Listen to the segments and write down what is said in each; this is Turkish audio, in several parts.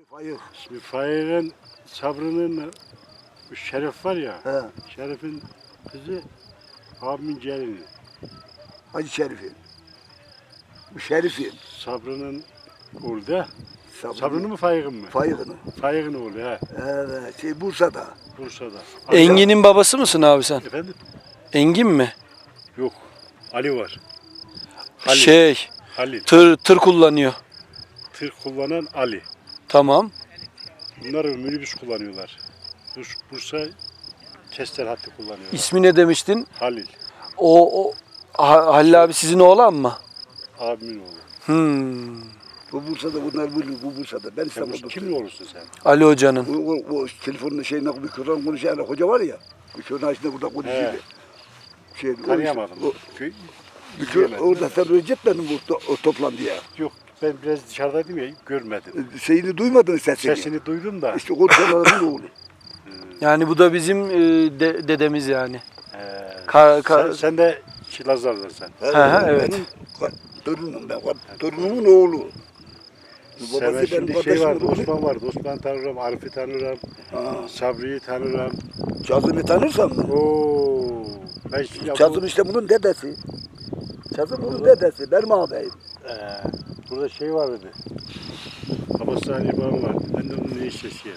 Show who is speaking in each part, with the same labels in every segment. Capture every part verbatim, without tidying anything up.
Speaker 1: Fayık.
Speaker 2: Şimdi Faik'in Sabrı'nın Şeref var ya.
Speaker 1: He.
Speaker 2: Şeref'in kızı abimin gelini.
Speaker 1: Hacı Şerif'in. Bu Şerif'in.
Speaker 2: Sabrı'nın oğlu da.
Speaker 1: Sabrı-
Speaker 2: Sabrı'nın mı Faik'in mi?
Speaker 1: Fayık'ın.
Speaker 2: Faik'in oğlu he.
Speaker 1: Evet. Şey Bursa'da.
Speaker 2: Bursa'da.
Speaker 3: Engin'in babası mısın abi sen?
Speaker 2: Efendim?
Speaker 3: Engin mi?
Speaker 2: Yok. Ali var. Halil.
Speaker 3: Şey,
Speaker 2: Halil.
Speaker 3: tır tır kullanıyor.
Speaker 2: Tır kullanan Ali.
Speaker 3: Tamam.
Speaker 2: Bunlar minibüs kullanıyorlar. Burs- Bursa Kestel hattı kullanıyorlar.
Speaker 3: İsmi ne demiştin?
Speaker 2: Halil.
Speaker 3: O, o Ha- Halil abi sizin oğlan mı?
Speaker 2: Abimin oğlu.
Speaker 3: Hmm.
Speaker 1: Bu Bursa'da bunlar bu, bu Bursa'da. Ben
Speaker 2: Sen
Speaker 1: İstanbul'da.
Speaker 2: bu kimin oğlusun sen?
Speaker 3: Ali Hoca'nın.
Speaker 1: O, o, o telefonun şeyine bir kıran konuşan hoca var ya. Bir köyün açında burada konuşuyor.
Speaker 2: He.
Speaker 1: Şey, o-
Speaker 2: Tanıyamadım.
Speaker 1: O,
Speaker 2: Köy,
Speaker 1: bir köy,
Speaker 2: izleyemedim.
Speaker 1: orada sen Recep benim bu to, o toplantıya.
Speaker 2: Yok ben biraz dışarıdaydım ya görmedim.
Speaker 1: Şeyini duymadın sesini.
Speaker 2: Sesini duydum da.
Speaker 1: İşte konuşanların oğlu.
Speaker 3: Yani bu da bizim e, de- dedemiz yani.
Speaker 2: Ee,
Speaker 3: Ka- ka-
Speaker 2: sen, sen de Lazlar'dan sen.
Speaker 1: He,
Speaker 3: hı, evet.
Speaker 1: Benim ka- torunum ben. Torunumun oğlu. Bu
Speaker 2: Senin
Speaker 1: babası
Speaker 2: şimdi
Speaker 1: benim
Speaker 2: şey vardı,
Speaker 1: kardeşim.
Speaker 2: Osman vardı. Osman tanırım, Arif'i tanırım,
Speaker 1: Ha,
Speaker 2: Sabri'yi tanırım.
Speaker 1: Kazım'ı tanırsan mı?
Speaker 2: Oo, ben şimdi
Speaker 1: Kazım işte bunun dedesi. Kazım bunun dedesi. Benim ağabeyim.
Speaker 2: Ee, burada şey vardı. Abbasani İbrahim vardı. Ben de onun eniştesiyim.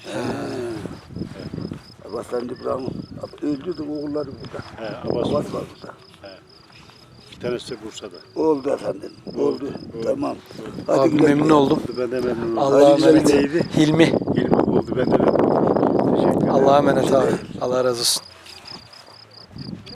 Speaker 1: Abbaslan İbrahim öldü de oğulları burada.
Speaker 2: He, Abbas,
Speaker 1: Abbas var burada.
Speaker 2: bir tanesi de Bursa'da.
Speaker 1: Oldu efendim. Oldu.
Speaker 2: Oldu.
Speaker 1: Tamam.
Speaker 3: Abi
Speaker 1: güle
Speaker 3: memnun
Speaker 1: güle.
Speaker 3: oldum.
Speaker 2: Oldu, ben de memnun oldum.
Speaker 3: Allah'a
Speaker 1: Hadi güle
Speaker 3: emanet.
Speaker 1: güle.
Speaker 2: Neydi?
Speaker 3: Hilmi.
Speaker 2: Hilmi oldu, ben de memnun oldum. Teşekkür ederim.
Speaker 3: Allah'a emanet abi. Allah razı olsun.